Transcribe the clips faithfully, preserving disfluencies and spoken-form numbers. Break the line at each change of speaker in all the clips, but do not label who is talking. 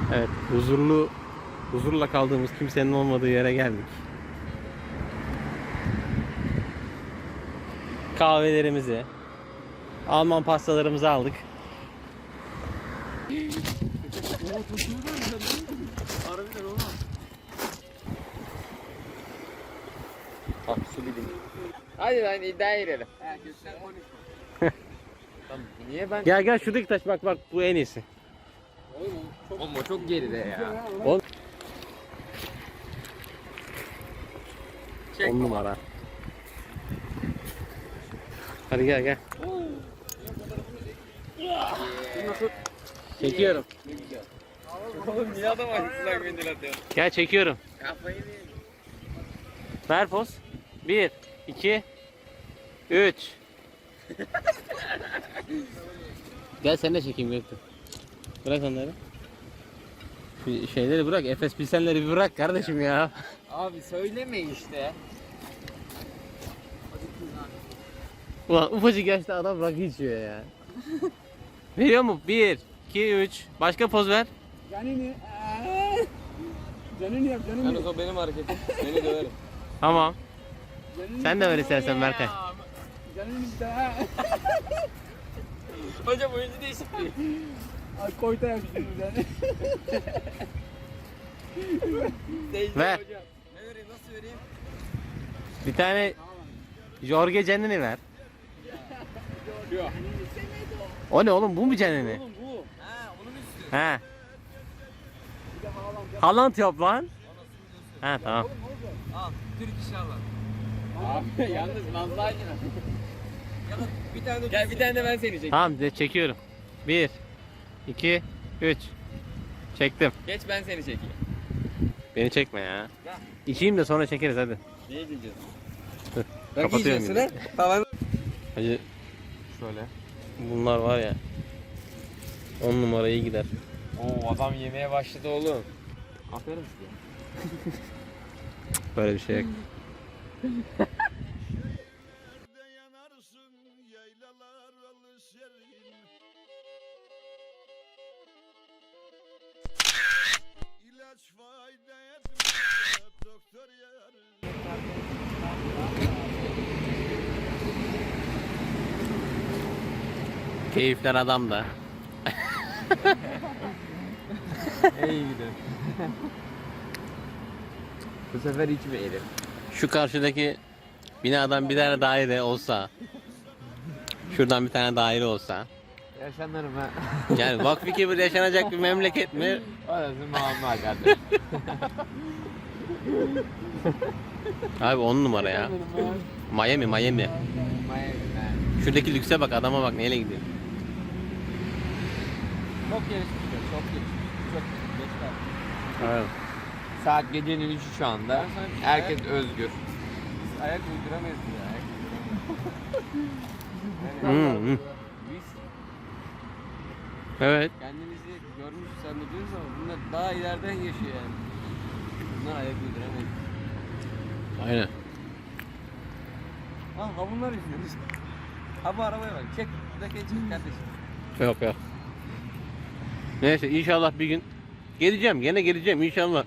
Evet, huzurlu, huzurla kaldığımız kimsenin olmadığı yere geldik. Kahvelerimizi, Alman pastalarımızı aldık.
Hadi lan iddiaya girelim. Niye ben?
Gel gel şuradaki taş, bak bak, bu en iyisi.
Oğlum o çok geride ya.
On, on numara. Hadi gel gel. Çekiyorum.
Oğlum niye adam açtılar mendil atıyor?
Gel çekiyorum.
Kafayı mı?
Ver poz. Bir, iki, üç. Gel sen de çekeyim Göktuğ. Bırak onları. Şu şeyleri bırak, Efes Pilsenleri bir bırak kardeşim ya.
Abi söyleme işte.
Ulan ufacık yaşta adam rakı içiyor ya. Veriyor mu? Bir, iki, üç. Başka poz ver.
Canını. Canını yap, canını
Yalnız o benim hareketim. Beni döverim.
Tamam. Sen de ver istersen Berkay.
Canını da.
Hocam oyuncu değişikliği.
Ay koyta yapıştırdım yani.
Ver.
Hocam. Ne vereyim, nasıl vereyim?
Bir tane Jorge Canini ver.
Yok.
O ne oğlum, bu mu Canini?
Oğlum bu.
Ha onun üstü.
He. Haaland yap lan. Ha tamam.
Al. Türk inşallah.
Abi yalnız Nazlı Aydın.
Ya da bir tane de Gel bir tane de ben seni çekeyim.
Tamam de çekiyorum. Bir, iki, üç. Çektim.
Geç ben seni çekeyim.
Beni çekme ya.
Ya.
İçeyim de sonra çekeriz hadi.
Ne diyeceğiz?
Dur.
Bak
Kapatıyorum
yiyeceksin
yine.
ha. Tamam.
Hacı
Şöyle.
bunlar var ya. On numara iyi gider.
Oo adam yemeye başladı oğlum. Aferin size.
Böyle bir şey yok. Keyifler adamda.
İyi gidelim. Bu sefer içmeyelim.
Şu karşıdaki binadan bir tane daire olsa, şuradan bir tane daire olsa,
Yaşanırım ha.
yani vakfı kibir yaşanacak bir memleket mi?
Orası muamma kardeşim.
Abi on numara ya. Miami, Miami.
Miami.
Şuradaki lükse bak, adama bak neyle gidiyor.
Çok gelişmiş, çok gelişmiş. Çok geç kaldı.
Evet.
Saat gecenin üçü şu anda. Herkes özgür.
Biz ayak uyduramayız ya.
Hmm, hmm.
Biz
Evet.
kendimizi görmüş zannediyoruz ama bunlar daha ileriden yaşıyor yani. Bunlar ayak uyduramayız.
Aynen.
Ha ha bunlar izliyoruz. Ha bu arabaya bak. Çek. Buradaki çek kardeşim.
Yok yok. Neyse inşallah bir gün geleceğim. Gene geleceğim inşallah.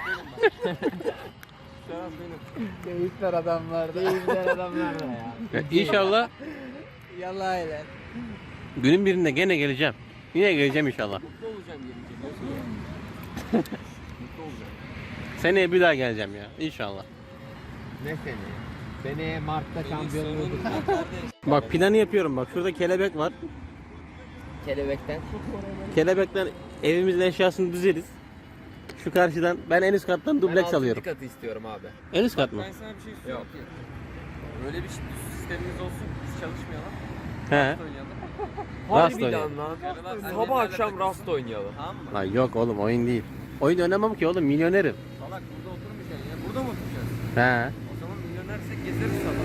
Şarap benim.
Keyifler adamlar. Keyifler adamlar da ya.
İnşallah
Yallah öyle.
günün birinde gene geleceğim. Yine geleceğim inşallah.
Mutlu olacağım gelince. Nasıl ya? Mutlu olacağım.
Seneye bir daha geleceğim ya. İnşallah.
Ne seni? Seneye Mart'ta şampiyonluğu.
Bak planı yapıyorum bak. Şurada kelebek var.
Kelebekten.
Kelebekten evimizin eşyasını düzeriz. Şu karşıdan ben en üst kattan dubleks alıyorum.
katı istiyorum abi.
En üst kat mı?
Ben sana bir şey söyleyeyim
Yok.
ki. Böyle bir sistemimiz olsun. Biz çalışmayalım.
He.
Rast oynayalım.
Rast
Harbiden
oynayalım.
lan.
Annemlerle
Sabah akşam
takılsın.
rast oynayalım.
Tamam mı?
Lan yok oğlum, oyun değil. Oyun oynamam ki oğlum, milyonerim.
Salak burada oturmayacaksın ya. Burada mı oturacağız?
He.
O zaman milyonersek gezeriz sabah.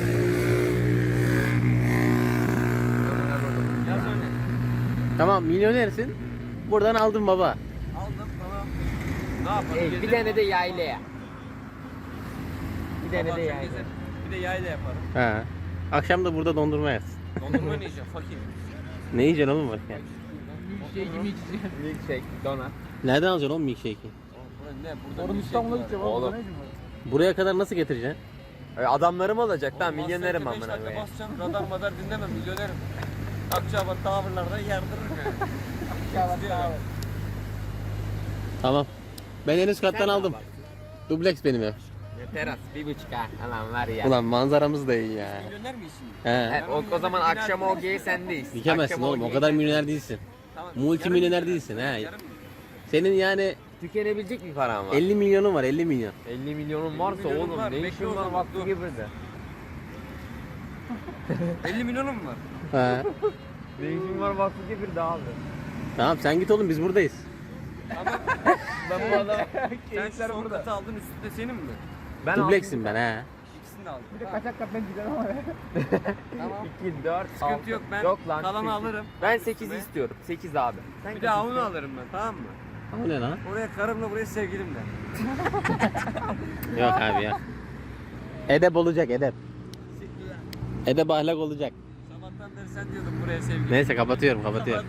Yaz öyle.
Tamam milyonersin. Buradan aldım baba.
Aldım tamam. Ne yapalım?
Ey, bir
Gezelim.
tane de yaylaya. Bir tane
Sabah
de
akşam
yaylaya.
gezelim. Bir de yayla yaparım.
He. Akşam da burada dondurma yersin.
Dondurma ne yiyeceğim? Fakir.
Ne yiyeceksin oğlum bak yani?
Milkshake'i mi içeceğim?
Milkshake, donut.
Nereden alacaksın oğlum milkshake'i?
Oğlum ne? Burada
Orun
milkshake
İstanbul'a
var.
gideceğim
Oğlum.
oğlum. Ne işin var?
Buraya kadar nasıl getireceksin?
E, Adamlarım olacak lan,
Oğlum,
milyonerim
Master'da
amına
beş dakika
koyayım.
basacağım, radar madar dinlemem, milyonerim. Akçabat tavırlarda yardırırım yani. Akçabat tavır.
Tamam. Ben en üst kattan
Sen
aldım.
ne
Dubleks benim ev.
Teras bir buçuk ha. Alan var ya.
Ulan manzaramız da iyi ya.
Milyoner misin?
He.
He, o, o zaman akşam o geyi sendeyiz.
Dikemezsin
Akşam
oğlum, o
geyi
kadar
sendeyiz.
milyoner değilsin.
Tamam.
Multimilyoner
yarım
değilsin,
milyon.
he.
Yarım milyon.
Senin yani
Tükenebilecek bir paran var.
elli milyonun var, elli milyon.
elli milyonun varsa
milyonum
oğlum
var,
ne
bekle
işin
o
var
zaman,
vakti
dur.
gibi de.
elli milyonum mu var?
He.
Ne işin var vakti gibi de abi.
Tamam sen git oğlum, biz buradayız.
Ama
Ben bu adamı
sen şu son katı aldın, üstünde senin mi?
ben
Dubleksin ben he.
İkisini de aldım.
Bir de kaçak kaptan gider ama ya.
Tamam.
iki, dört,
Sıkıntı yok, ben kalanı alırım.
Ben sekiz istiyorum. sekiz abi. Sen
Bir
kaç
de onu
istiyorsun?
alırım ben, tamam mı?
O ne lan?
Oraya karımla, buraya sevgilimle.
Yok abi ya. Edep olacak, edep. Edep ahlak olacak.
Sabahtan beri sen diyordun buraya sevgilim.
Neyse kapatıyorum, kapatıyorum.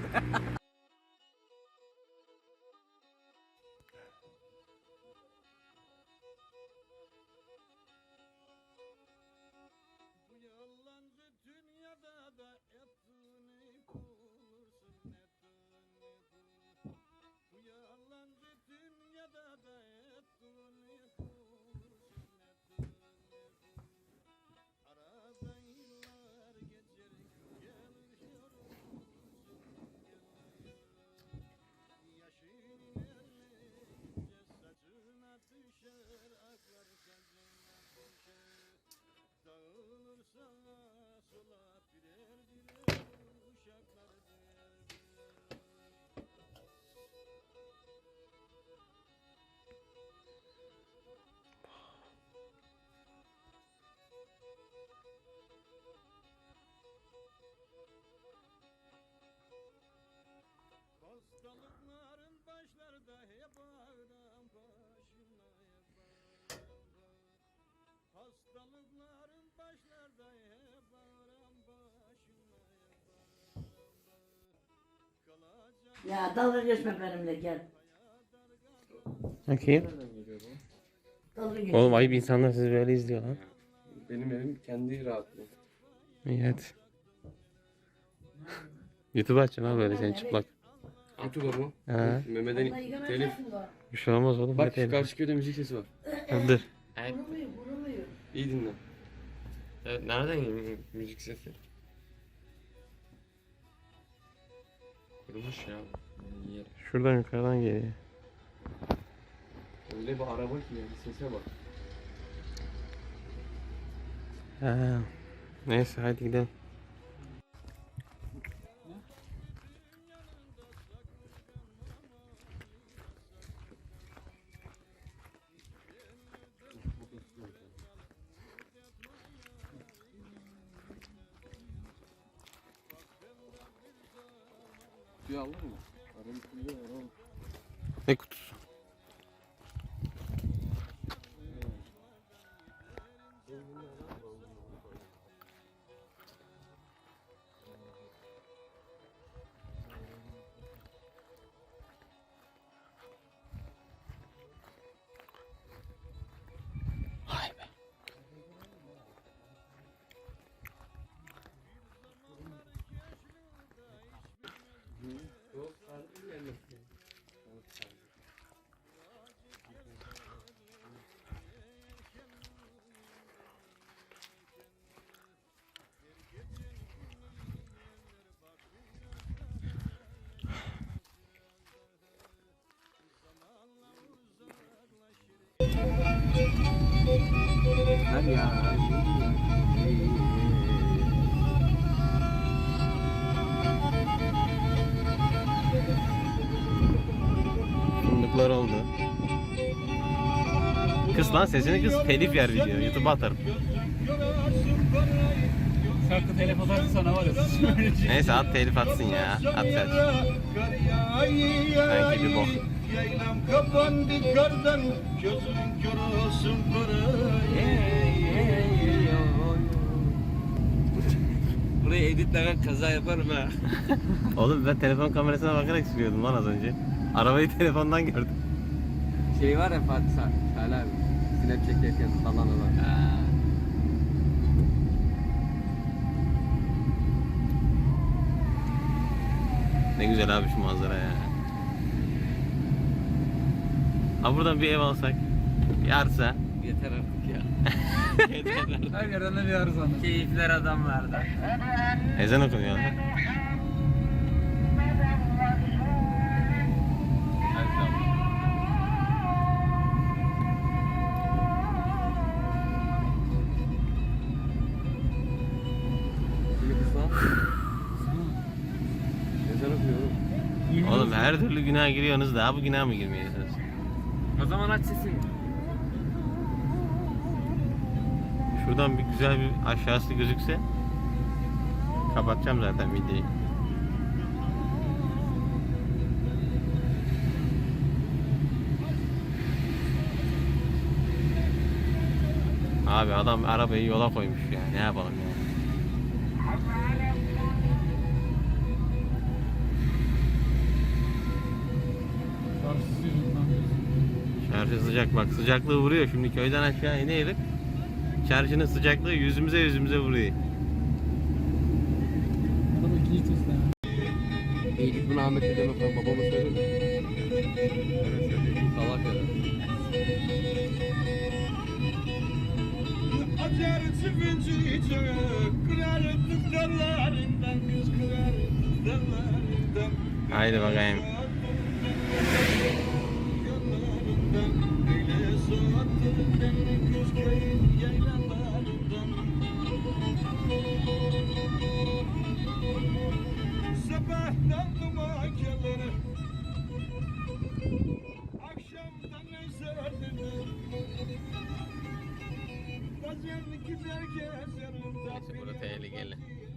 Hastalıkların başlarda hep ağrım başına Hastalıkların başlarda hep ağrım başına Kalacak
Ya dalga geçme benimle gel.
Bakayım.
Dalga geçme.
Oğlum ayıp, insanlar sizi böyle izliyor lan.
Benim evim kendi rahatlığı.
İyi hadi. YouTube açacaksın abi böyle seni çıplak.
YouTube'a mı?
He.
Mehmet'in telif.
Bir şey olmaz oğlum.
Bak
ne
şu
telif?
karşı köyde müzik sesi var.
Dur.
Vuruluyor, vuruluyor.
İyi dinle. Evet, nereden geliyor müzik sesi? Kurumuş ya. Yer.
Şuradan yukarıdan geliyor.
Öyle bir araba ki yani sese bak.
He. Neyse hadi gidelim.
Suyu aldın mı? Arabın suyu var oğlum.
Ne kutusu? Vay be.
Hadi ya.
Fındıklar oldu. Kız lan sesini kız, telif yer video. YouTube'a atarım.
Şarkı telef atarsa sana var ya.
Neyse at, telif atsın ya. At sen. Sanki bir bok.
Yaylam kapandı kardan Gözün kör olsun kara
Burayı editlemem kaza yaparım ha.
Oğlum ben telefon kamerasına bakarak sürüyordum lan az önce. Arabayı telefondan gördüm.
Şey var ya Fatih Sa- Salih abi. Snap çekerken falan olan.
Ne güzel abi şu manzara ya. Ha buradan bir ev alsak. Bir arsa.
Yeter artık ya.
Her yerden de bir arıza.
Keyifler adamlarda.
Ezan okunuyor lan.
Şimdi kısa. Ezan okuyorum.
Oğlum her türlü günah giriyorsunuz, daha bu günah mı girmiyorsunuz?
O zaman aç sesini.
Şuradan bir güzel bir aşağısı gözükse kapatacağım zaten videoyu. Abi adam arabayı yola koymuş ya. Ne yapalım ya? Çarşı sıcak bak, sıcaklığı vuruyor. Şimdi köyden aşağı inelim. Çarşının sıcaklığı yüzümüze yüzümüze vuruyor.
İyilik bunu Ahmet dedeme falan babama söyledi. Salak ya.
Acar çıkınca kırardık dallarından kız kırardık dallarından.
Haydi bakayım.
Yollarından öyle soğuttun beni kız köyün yaylalarından. Sabahtan dumakeleri akşamdan eserdim. Bazen gider gezerim.
Burada tehlikeli.